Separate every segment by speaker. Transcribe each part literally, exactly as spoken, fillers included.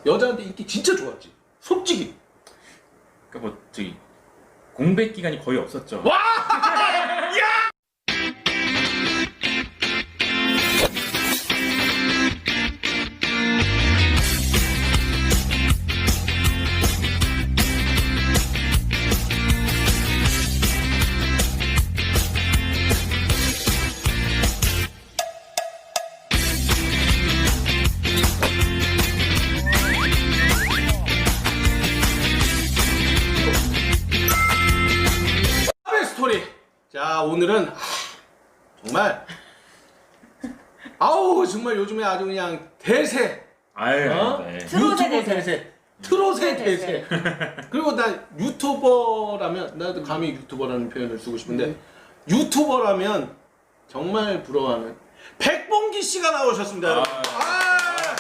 Speaker 1: 여자한테 인기 진짜 좋았지. 솔직히.
Speaker 2: 그러니까 뭐 저기 공백 기간이 거의 없었죠.
Speaker 1: 와! 야! 스토리. 자, 오늘은 하, 정말 아우 정말 요즘에 아주 그냥 대세.
Speaker 2: 아유,
Speaker 1: 어?
Speaker 2: 네.
Speaker 1: 유튜버
Speaker 3: 대세.
Speaker 1: 대세. 트롯의 대세. 그리고 나 유튜버라면 나도 감히 유튜버라는 표현을 쓰고 싶은데 유튜버라면 정말 부러워하는 백봉기 씨가 나오셨습니다.
Speaker 2: 아,
Speaker 1: 여러분. 아,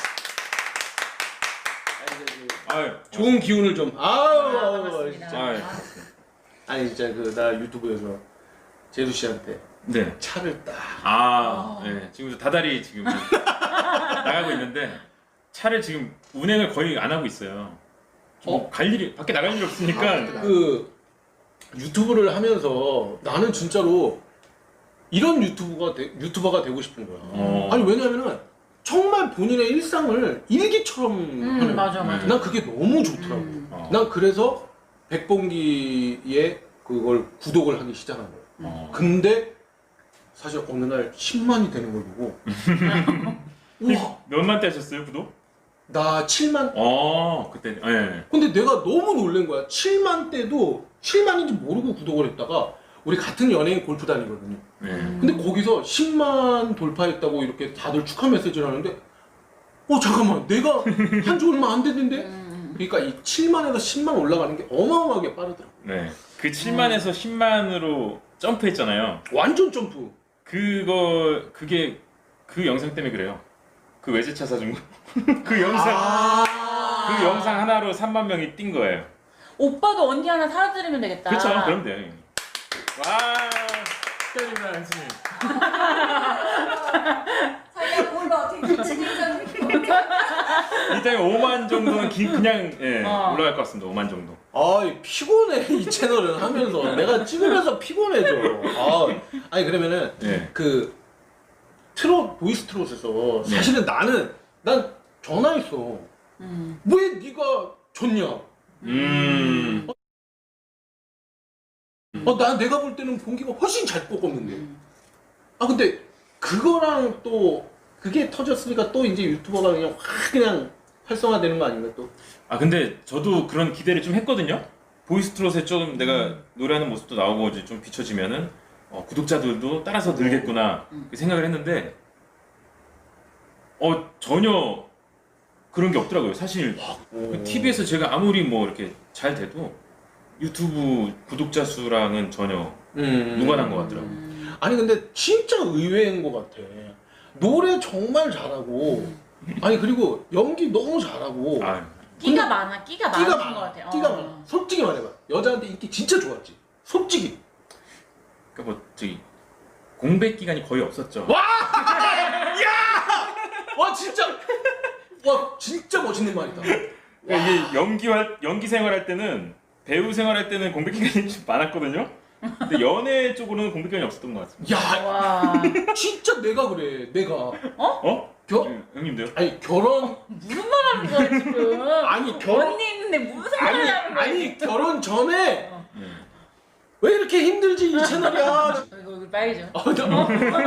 Speaker 2: 아유,
Speaker 1: 좋은 기운을 좀. 아우,
Speaker 3: 아,
Speaker 1: 아우,
Speaker 3: 반갑습니다.
Speaker 1: 진짜.
Speaker 2: 아유.
Speaker 1: 아니 진짜 그 나 유튜브에서 제수 씨한테
Speaker 2: 네.
Speaker 1: 차를 딱.
Speaker 2: 아,
Speaker 3: 어.
Speaker 2: 네. 지금 다달이 지금 나가고 있는데 차를 지금 운행을 거의 안 하고 있어요. 뭐
Speaker 1: 어?
Speaker 2: 갈 일이 밖에 나갈 일이 없으니까.
Speaker 3: 아,
Speaker 1: 그 유튜브를 하면서 나는 진짜로 이런 유튜브가 되, 유튜버가 되고 싶은 거야.
Speaker 2: 어.
Speaker 1: 아니 왜냐면은 정말 본인의 일상을 일기처럼 하는.
Speaker 3: 음, 맞아, 맞아.
Speaker 1: 난 그게 너무 좋더라고.
Speaker 3: 음.
Speaker 2: 어.
Speaker 1: 난 그래서 백봉기의 그걸 구독을 하기 시작한 거야.
Speaker 2: 어.
Speaker 1: 근데 사실 어느 날 십만이 되는 걸 보고 우와,
Speaker 2: 몇만 대 하셨어요, 구독?
Speaker 1: 나 칠만.
Speaker 2: 어, 그때. 예. 네.
Speaker 1: 근데 내가 너무 놀란 거야. 칠만 때도 칠만인지 모르고 구독을 했다가 우리 같은 연예인 골프 다니거든요.
Speaker 2: 네.
Speaker 1: 근데 거기서 십만 돌파했다고 이렇게 다들 축하 메시지를 하는데 어 잠깐만 내가 한 지 얼마 안 됐는데.
Speaker 3: 음.
Speaker 1: 그러니까 이 칠만에서 십만 올라가는 게 어마어마하게 빠르더라고.
Speaker 2: 네. 그 칠만에서 십만으로 점프했잖아요.
Speaker 1: 완전 점프.
Speaker 2: 그거 그게 그 영상 때문에 그래요. 그 외제차 사준 거. 그 영상
Speaker 1: 아~
Speaker 2: 그 영상 하나로 삼만 명이 뛴 거예요.
Speaker 3: 오빠도 언니 하나 사드리면 되겠다.
Speaker 2: 그렇죠. 그럼 돼요. 와. 축하드립니다, 한수님.
Speaker 4: 자기가 몰라 어떻게 진행자는
Speaker 2: 일단 오만 정도는 기, 그냥 예,
Speaker 3: 어.
Speaker 2: 올라갈 것 같습니다. 오만 정도.
Speaker 1: 아이 피곤해 이 채널은 하면서 내가 찍으면서 피곤해져. 아, 아니 그러면은
Speaker 2: 예.
Speaker 1: 그 트롯 보이스 트롯에서
Speaker 2: 네.
Speaker 1: 사실은 나는 난 전화했어.
Speaker 3: 음.
Speaker 1: 왜 네가 졌냐?
Speaker 2: 음.
Speaker 1: 어, 난 내가 볼 때는 봉기가 훨씬 잘 꺾었는데. 아 근데 그거랑 또 그게 터졌으니까 또 이제 유튜버가 그냥 확 그냥 활성화되는 거 아닌가 또?
Speaker 2: 아 근데 저도 그런 기대를 좀 했거든요. 보이스트롯에 좀 내가 노래하는 모습도 나오고 이제 좀 비춰지면은 어, 구독자들도 따라서 늘겠구나
Speaker 3: 음.
Speaker 2: 그 생각을 했는데 어 전혀 그런 게 없더라고요. 사실
Speaker 1: 오.
Speaker 2: 티비에서 제가 아무리 뭐 이렇게 잘 돼도 유튜브 구독자 수랑은 전혀
Speaker 1: 음.
Speaker 2: 무관한 것 같더라고요.
Speaker 3: 음.
Speaker 1: 아니 근데 진짜 의외인 것 같아. 노래 정말 잘하고 아니 그리고 연기 너무 잘하고
Speaker 2: 아,
Speaker 3: 끼가 많아, 끼가
Speaker 1: 끼가
Speaker 3: 많은
Speaker 1: 많아.
Speaker 3: 것 같아.
Speaker 1: 끼가
Speaker 3: 어.
Speaker 1: 많아. 솔직히 말해봐. 여자한테 인기 진짜 좋았지. 솔직히.
Speaker 2: 그러니까 뭐 저기 공백 기간이 거의 없었죠.
Speaker 1: 와! 야! 와 진짜 와 진짜 멋있는 말이다.
Speaker 2: 그러니까 이게 연기 활 연기 생활할 때는 배우 생활할 때는 공백 기간이 좀 많았거든요. 근데 연애 쪽으로는 공백 기간이 없었던 것 같습니다.
Speaker 1: 야
Speaker 3: 와.
Speaker 1: 진짜 내가 그래. 내가
Speaker 2: 어?
Speaker 1: 겨
Speaker 2: 형- 형님도요?
Speaker 1: 아니 결혼
Speaker 3: 무슨 말 하는 거야, 지금?
Speaker 1: 아니 결혼
Speaker 3: 언니 있는데 무슨 말
Speaker 1: 아니
Speaker 3: 하는 거야?
Speaker 1: 아니 결혼 전에
Speaker 3: 어.
Speaker 2: 네.
Speaker 1: 왜 이렇게 힘들지 이 채널이야.
Speaker 3: 이거 얼굴 빨개져.
Speaker 1: 어, 너-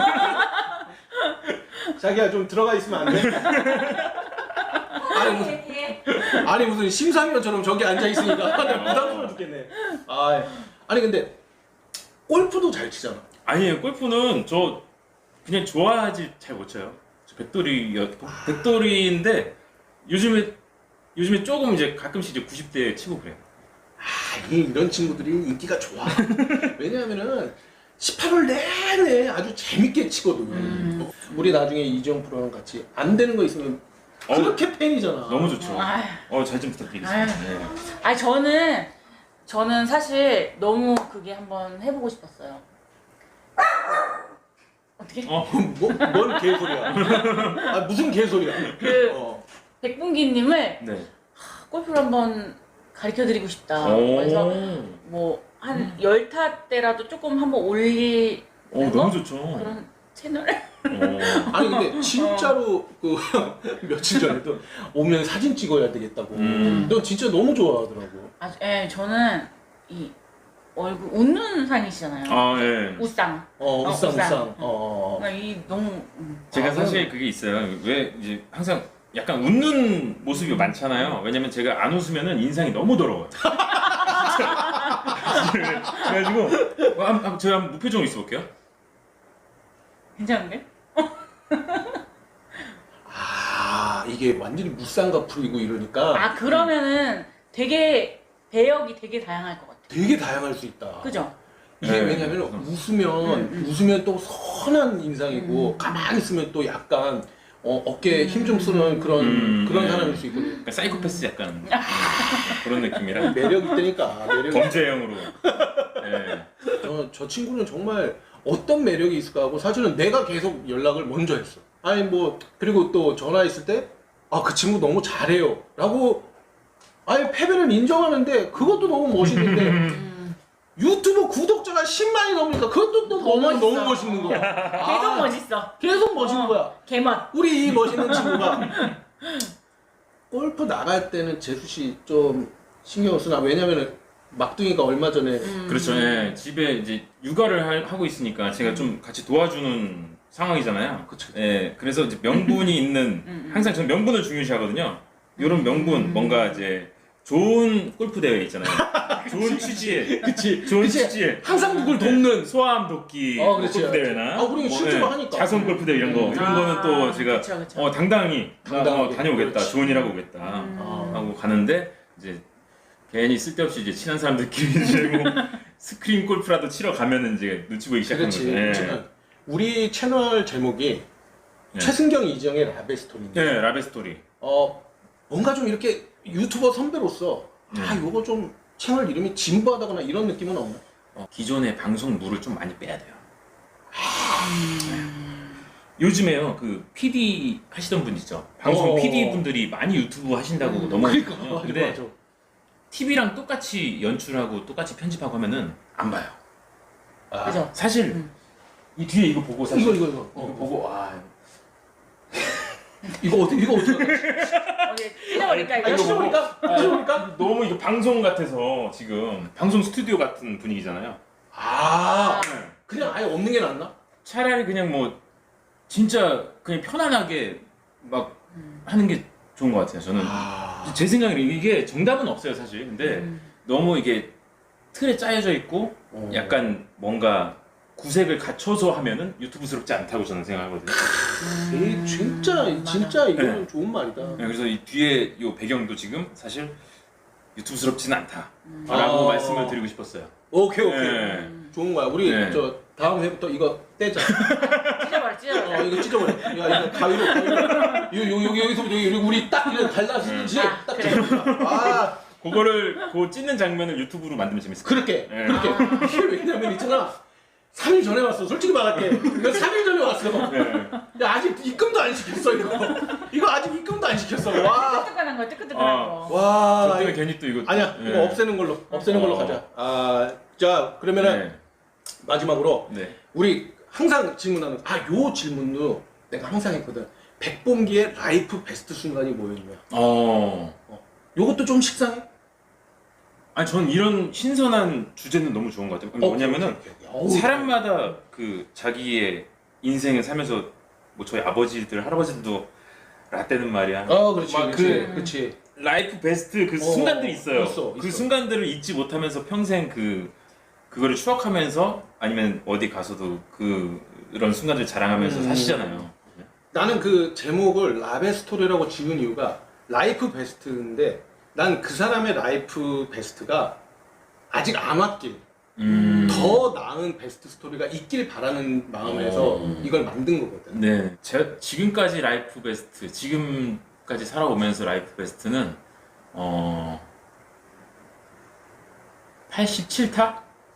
Speaker 1: 자기야 좀 들어가 있으면 안 돼? 아니, 무슨,
Speaker 4: 얘기해.
Speaker 1: 아니 무슨 심사위원처럼 저기 앉아 있으니까 내가 부담스러워 죽겠네. 아, 아니 근데 골프도 잘 치잖아.
Speaker 2: 아니에요. 골프는 저 그냥 좋아하지 잘 못 쳐요. 저 백돌이 백돌이인데 요즘에 요즘에 조금 이제 가끔씩 이제 구십 대 치고 그래요.
Speaker 1: 아, 이- 이런 친구들이 인기가 좋아. 왜냐하면은 십팔 월 내내 아주 재밌게 치거든.
Speaker 3: 음.
Speaker 1: 우리 나중에 이지영 프로랑 같이 안 되는 거 있으면 그렇게 팬이잖아.
Speaker 2: 너무 좋죠.
Speaker 3: 아휴.
Speaker 2: 어, 잘 좀 부탁드리겠습니다.
Speaker 3: 아휴.
Speaker 2: 네.
Speaker 3: 아니 저는 저는 사실 너무 그게 한번 해보고 싶었어요. 어떻게?
Speaker 2: 어,
Speaker 1: 뭐, 뭔 개소리야. 아, 무슨 개소리야.
Speaker 3: 그
Speaker 1: 어.
Speaker 3: 백분기님을
Speaker 2: 네.
Speaker 3: 골프를 한번 가르쳐드리고 싶다.
Speaker 2: 오.
Speaker 3: 그래서 뭐 한 열 타 때라도 조금 한번 올리는
Speaker 2: 어,
Speaker 3: 거?
Speaker 2: 너무 좋죠.
Speaker 3: 그런 채널?
Speaker 2: 어.
Speaker 1: 아니 근데 진짜로 그 며칠 전에도 오면 사진 찍어야 되겠다고.
Speaker 2: 음.
Speaker 1: 너 진짜 너무 좋아하더라고.
Speaker 3: 아, 예, 저는 이 얼굴 웃는 상이시잖아요.
Speaker 2: 아, 예.
Speaker 3: 웃상.
Speaker 1: 어,
Speaker 3: 어,
Speaker 1: 우상
Speaker 3: 우상.
Speaker 1: 우상. 어.
Speaker 3: 그러니까 이 너무 음.
Speaker 2: 제가
Speaker 1: 아,
Speaker 2: 사실 그게 있어요. 왜 이제 항상 약간 웃는 모습이 많잖아요. 왜냐면 제가 안 웃으면은 인상이 너무 더러워요. 그래가지고 어, 한, 한, 제가 한번 무표정으로 있어볼게요.
Speaker 3: 괜찮은데?
Speaker 1: 아 이게 완전히 무쌍과 풀이고 이러니까
Speaker 3: 아 그러면은 되게 배역이 되게 다양할 것 같아.
Speaker 1: 되게 다양할 수 있다.
Speaker 3: 그죠?
Speaker 1: 이게
Speaker 2: 네.
Speaker 1: 왜냐면 웃으면
Speaker 3: 음, 음.
Speaker 1: 웃으면 또 선한 인상이고
Speaker 3: 음.
Speaker 1: 가만히 있으면 또 약간 어, 어깨에 힘 좀 쓰는 그런
Speaker 2: 음,
Speaker 1: 그런
Speaker 2: 네.
Speaker 1: 사람일 수 있거든요.
Speaker 2: 그러니까 사이코패스 약간 음, 그런 느낌이라
Speaker 1: 매력 있다니까 매력.
Speaker 2: 범죄형으로. 예.
Speaker 1: 저, 저 친구는 정말 어떤 매력이 있을까 하고 사실은 내가 계속 연락을 먼저 했어. 아니 뭐 그리고 또 전화했을 때 아 그 친구 너무 잘해요 라고 아예 패배를 인정하는데 그것도 너무 멋있는데
Speaker 3: 음.
Speaker 1: 유튜브 구독자가 십만이 넘으니까 그것도 또
Speaker 3: 더
Speaker 1: 너무,
Speaker 3: 멋있어.
Speaker 1: 너무 멋있는 거야.
Speaker 3: 계속
Speaker 1: 아,
Speaker 3: 멋있어.
Speaker 1: 계속 멋있는
Speaker 3: 어.
Speaker 1: 거야.
Speaker 3: 개멋.
Speaker 1: 우리 이 멋있는 친구가 골프 나갈 때는 재수 씨 좀 신경 쓰나 왜냐면은 막둥이가 얼마 전에
Speaker 3: 음.
Speaker 2: 그렇죠. 예. 집에 이제 육아를 할- 하고 있으니까 제가 좀 같이 도와주는 상황이잖아요.
Speaker 1: 그쵸.
Speaker 2: 예. 그래서 이제 명분이 있는
Speaker 3: 음.
Speaker 2: 항상 저는 명분을 중요시하거든요. 이런 명분 뭔가 이제 좋은 골프 대회 있잖아요. 좋은 취지에
Speaker 1: 그치
Speaker 2: 좋은
Speaker 1: 그치.
Speaker 2: 취지에
Speaker 1: 항상 누굴 돕는
Speaker 2: 소아암 돕기
Speaker 1: 어, 그렇지.
Speaker 2: 골프 대회나
Speaker 1: 아, 우리는
Speaker 2: 뭐,
Speaker 1: 실제로
Speaker 2: 예,
Speaker 1: 하니까.
Speaker 2: 자선 골프 대회 이런 거 이런
Speaker 3: 아,
Speaker 2: 거는 또 제가
Speaker 3: 그쵸, 그쵸.
Speaker 2: 어 당당히 나, 어,
Speaker 1: 당당하게.
Speaker 2: 다녀오겠다.
Speaker 1: 그렇지.
Speaker 2: 좋은 일 하고 오겠다.
Speaker 3: 음.
Speaker 1: 아.
Speaker 2: 하고 가는데 이제 괜히 쓸데없이 이제 친한 사람들끼리 이제 뭐 스크린 골프라도 치러 가면은 이제 눈치 보이기 시작하는
Speaker 1: 그렇지.
Speaker 2: 거죠. 예.
Speaker 1: 그렇지만 우리 채널 제목이
Speaker 2: 네.
Speaker 1: 최승경 이정의 라베 스토리인데
Speaker 2: 네, 라베 스토리.
Speaker 1: 어 뭔가 좀 이렇게 유튜버 선배로서 아
Speaker 2: 네.
Speaker 1: 요거 좀 채널 이름이 진부하다거나 이런 느낌은 없나?
Speaker 2: 어, 기존의 방송 물을 좀 많이 빼야 돼요. 요즘에요 그 피디 하시던 분 있죠. 방송
Speaker 1: 어.
Speaker 2: 피디 분들이 많이 유튜브 하신다고
Speaker 3: 음.
Speaker 2: 넘어갔거든요.
Speaker 1: 그러니까 맞아,
Speaker 2: 근데
Speaker 1: 맞아.
Speaker 2: 티비랑 똑같이 연출하고 똑같이 편집하고 하면은 안 봐요.
Speaker 1: 아,
Speaker 3: 그죠?
Speaker 2: 사실
Speaker 3: 음.
Speaker 2: 이 뒤에 이거 보고 사실
Speaker 1: 이거 이거 이거
Speaker 2: 이거
Speaker 1: 어,
Speaker 2: 보고 와
Speaker 1: 이거 어떻게 이거 어떻게
Speaker 3: 어디 찢어버릴까
Speaker 1: 아,
Speaker 3: 이거?
Speaker 1: 이거 찢어버릴까? 찢어버릴까?
Speaker 2: 너무 이거 방송 같아서 지금 방송 스튜디오 같은 분위기잖아요.
Speaker 1: 아
Speaker 3: 아.
Speaker 1: 그냥 아예 없는 게 낫나?
Speaker 2: 차라리 그냥 뭐 진짜 그냥 편안하게 막
Speaker 3: 음.
Speaker 2: 하는 게 좋은 것 같아요. 저는
Speaker 1: 아
Speaker 2: 제 생각에는 이게 정답은 없어요 사실. 근데
Speaker 3: 음.
Speaker 2: 너무 이게 틀에 짜여져 있고
Speaker 1: 어.
Speaker 2: 약간 뭔가 구색을 갖춰서 하면은 유튜브스럽지 않다고 저는 생각하거든요.
Speaker 1: 이 진짜
Speaker 3: 음,
Speaker 1: 진짜 이거는
Speaker 2: 네.
Speaker 1: 좋은 말이다.
Speaker 2: 네, 그래서 이 뒤에 이 배경도 지금 사실 유튜브스럽지는 않다라고
Speaker 3: 음.
Speaker 1: 아.
Speaker 2: 말씀을 드리고 싶었어요.
Speaker 1: 오케이 오케이
Speaker 2: 네.
Speaker 1: 좋은 거야. 우리
Speaker 2: 네.
Speaker 1: 저 다음 회부터 이거 떼자.
Speaker 3: 찢어버려 찢어버려.
Speaker 1: 어 이거 찢어버려. 야 이거 가위로 가위로. 요 여기 여기서부터 여기 우리 딱 이거 갈라지듯이
Speaker 3: 음. 아,
Speaker 1: 딱
Speaker 3: 그래.
Speaker 1: 찢어버려. 아
Speaker 2: 그거를 그 찢는 장면을 유튜브로 만들면 재밌을 것
Speaker 1: 그렇게
Speaker 2: 네.
Speaker 1: 그렇게.
Speaker 3: 아.
Speaker 1: 이게 왜냐면 있잖아. 삼 일 전에 왔어. 솔직히 말할게. 이거 삼 일 전에 왔어.
Speaker 2: 같아요. 네.
Speaker 1: 야 아직 입금도 안 시켰어 이거. 이거 아직 입금도 안 시켰어. 와.
Speaker 3: 뜨끈뜨끈한 거 뜨끈뜨끈한
Speaker 2: 아.
Speaker 3: 거.
Speaker 1: 와.
Speaker 2: 저
Speaker 1: 나
Speaker 2: 때문에
Speaker 1: 이거-
Speaker 2: 괜히 또 이거
Speaker 1: 아니야
Speaker 2: 네.
Speaker 1: 이거 없애는 걸로 없애는 걸로
Speaker 2: 어.
Speaker 1: 가자. 아자 그러면은
Speaker 2: 네.
Speaker 1: 마지막으로
Speaker 2: 네.
Speaker 1: 우리 항상 질문하는 아 요 질문도 내가 항상 했거든. 백봉기의 라이프 베스트 순간이 뭐였냐.
Speaker 2: 어.
Speaker 1: 요것도 좀 식상해?
Speaker 2: 아니 전 이런 신선한 주제는 너무 좋은 것 같아요. 뭐냐면은
Speaker 1: 오케이, 오케이, 오케이. 어우,
Speaker 2: 사람마다 그 자기의 인생을 살면서 뭐 저희 아버지들 할아버지들도 라떼는 말이야.
Speaker 1: 어 그렇지
Speaker 2: 막
Speaker 1: 그렇지
Speaker 3: 그-
Speaker 1: 그렇지.
Speaker 2: 라이프 베스트 그
Speaker 1: 어,
Speaker 2: 순간들이 있어요.
Speaker 1: 있어,
Speaker 2: 그
Speaker 1: 있어.
Speaker 2: 순간들을 잊지 못하면서 평생 그 그거를 추억하면서 아니면 어디 가서도 그 그런 순간들 자랑하면서
Speaker 1: 음.
Speaker 2: 사시잖아요.
Speaker 1: 나는 그 제목을 라베 스토리라고 지은 이유가 라이프 베스트인데 난 그 사람의 라이프 베스트가 아직 안 왔길
Speaker 2: 음.
Speaker 1: 더 나은 베스트 스토리가 있길 바라는 마음에서
Speaker 2: 어.
Speaker 1: 이걸 만든 거거든.
Speaker 2: 네, 제가 지금까지 라이프 베스트, 지금까지 살아오면서 라이프 베스트는 어 팔십칠 타?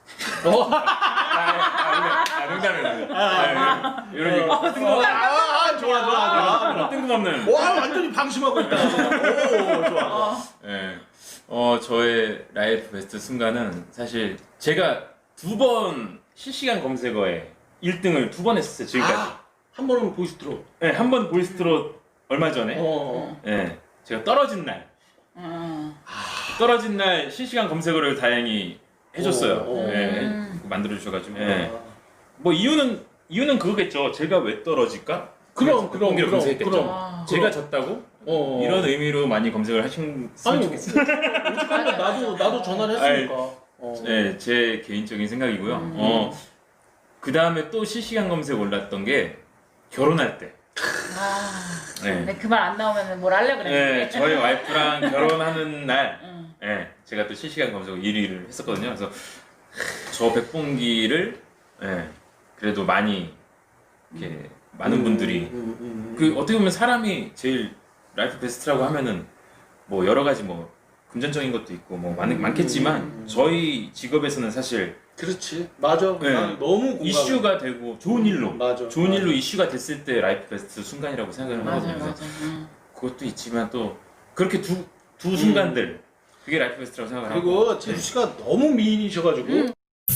Speaker 1: 어?
Speaker 2: 아, 아, 아, 농담이에요. 아, 이런 얘기.
Speaker 1: 아, 아, 좋아, 좋아, 좋아.
Speaker 2: 뜬금없는.
Speaker 1: 와, 완전히 방심하고 있다. 오, 좋아.
Speaker 2: 예. 어, 저의 라이프 베스트 순간은 사실 제가 두 번 실시간 검색어에 일 등을 두 번 했었어요, 지금까지.
Speaker 1: 아, 한 번은 보이스트로.
Speaker 2: 네, 한 번 보이스트로 얼마 전에.
Speaker 1: 어.
Speaker 2: 예. 제가 떨어진 날.
Speaker 3: 음.
Speaker 2: 떨어진 날 실시간 검색어를 다행히 해줬어요.
Speaker 1: 오, 오.
Speaker 2: 예.
Speaker 3: 음.
Speaker 2: 만들어 주셔가지고. 예.
Speaker 1: 아.
Speaker 2: 뭐 이유는 이유는 그거겠죠. 제가 왜 떨어질까?
Speaker 1: 그럼,
Speaker 2: 그래서
Speaker 1: 그럼,
Speaker 2: 공개를
Speaker 1: 그럼,
Speaker 2: 검색했겠죠.
Speaker 1: 그럼.
Speaker 3: 아.
Speaker 2: 제가 졌다고?
Speaker 1: 어.
Speaker 2: 이런 의미로 많이 검색을 하셨으면
Speaker 1: 아니,
Speaker 2: 좋겠어요.
Speaker 1: 오죽하면 나도, 나도 전화를 했으니까. 어.
Speaker 2: 네, 제 개인적인 생각이고요.
Speaker 3: 음.
Speaker 2: 어, 그 다음에 또 실시간 검색 올랐던 게 결혼할 때.
Speaker 3: 아.
Speaker 2: 네.
Speaker 3: 근데 그 말 안 나오면 뭘 하려
Speaker 2: 네,
Speaker 3: 그랬는데.
Speaker 2: 저희 와이프랑 결혼하는 날,
Speaker 3: 응.
Speaker 2: 네, 제가 또 실시간 검색 일 위를 했었거든요. 그래서 저 백봉기를, 네, 그래도 많이 이렇게 많은 분들이
Speaker 1: 음, 음, 음.
Speaker 2: 그 어떻게 보면 사람이 제일 라이프 베스트라고 하면은 뭐 여러 가지 뭐 금전적인 것도 있고 뭐 많,
Speaker 1: 음,
Speaker 2: 많겠지만
Speaker 1: 음, 음.
Speaker 2: 저희 직업에서는 사실
Speaker 1: 그렇지. 맞아.
Speaker 2: 네.
Speaker 1: 난 너무 공감해.
Speaker 2: 이슈가 되고 좋은 일로
Speaker 1: 맞아.
Speaker 2: 좋은
Speaker 1: 맞아.
Speaker 2: 일로 이슈가 됐을 때 라이프 베스트 순간이라고 생각을
Speaker 3: 맞아요,
Speaker 2: 하거든요.
Speaker 3: 맞아요.
Speaker 2: 그래서
Speaker 3: 응.
Speaker 2: 그것도 있지만 또 그렇게 두 두 순간들 그게 라이프 베스트라고 생각을 하고
Speaker 1: 그리고 제수 씨가 너무 미인이셔가지고
Speaker 3: 음.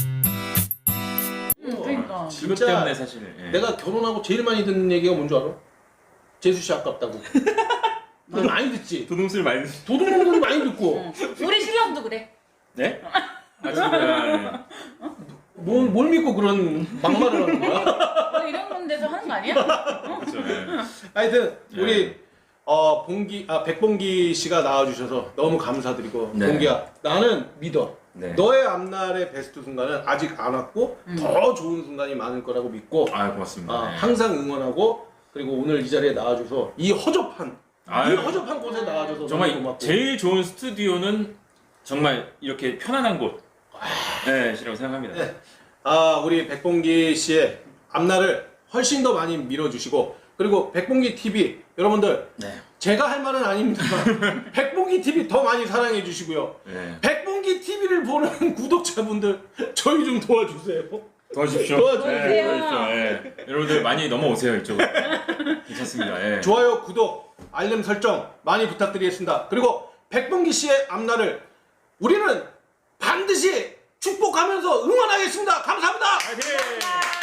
Speaker 3: 응, 그러니까.
Speaker 2: 그것
Speaker 1: 진짜
Speaker 2: 때문에 사실 예.
Speaker 1: 내가 결혼하고 제일 많이 듣는 얘기가 뭔 줄 알아? 제수 씨 아깝다고. 그거 많이 듣지.
Speaker 2: 도둑질 많이 듣-
Speaker 1: 도둑놈 소리 많이 듣고.
Speaker 3: 응. 우리 신랑도 그래.
Speaker 2: 네? 아 진짜
Speaker 1: 뭘, 뭘 믿고 그런 막말을 하는 거야?
Speaker 3: 너 이런 건데서 하는 거 아니야?
Speaker 2: 그렇죠. 예.
Speaker 1: 하여튼
Speaker 2: 네.
Speaker 1: 우리 어 봉기 아 백봉기 씨가 나와주셔서 너무 감사드리고
Speaker 2: 네.
Speaker 1: 봉기야 나는 믿어.
Speaker 2: 네.
Speaker 1: 너의 앞날의 베스트 순간은 아직 안 왔고
Speaker 3: 음.
Speaker 1: 더 좋은 순간이 많을 거라고 믿고
Speaker 2: 아 고맙습니다.
Speaker 1: 아,
Speaker 2: 네.
Speaker 1: 항상 응원하고 그리고 오늘 이 자리에 나와줘서 이 허접한
Speaker 2: 아유.
Speaker 1: 이 허접한 곳에 나와줘서
Speaker 2: 정말
Speaker 1: 너무 고맙고
Speaker 2: 제일 좋은 스튜디오는 정말 이렇게 편안한 곳. 네, 시라고 생각합니다.
Speaker 1: 네. 아 우리 백봉기 씨의 앞날을 훨씬 더 많이 밀어주시고 그리고 백봉기 티비 여러분들
Speaker 2: 네.
Speaker 1: 제가 할 말은 아닙니다만 백봉기 티비 더 많이 사랑해 주시고요.
Speaker 2: 네.
Speaker 1: 백봉기 티비를 보는 구독자분들 저희 좀 도와주세요.
Speaker 2: 도와주십시오.
Speaker 1: 도와주세요.
Speaker 2: 네, 도와주십시오. 네. 여러분들 많이 넘어오세요 이쪽으로. 괜찮습니다. 예.
Speaker 1: 좋아요, 구독, 알림 설정 많이 부탁드리겠습니다. 그리고 백봉기 씨의 앞날을 우리는 반드시 축복하면서 응원하겠습니다. 감사합니다.
Speaker 2: 화이팅!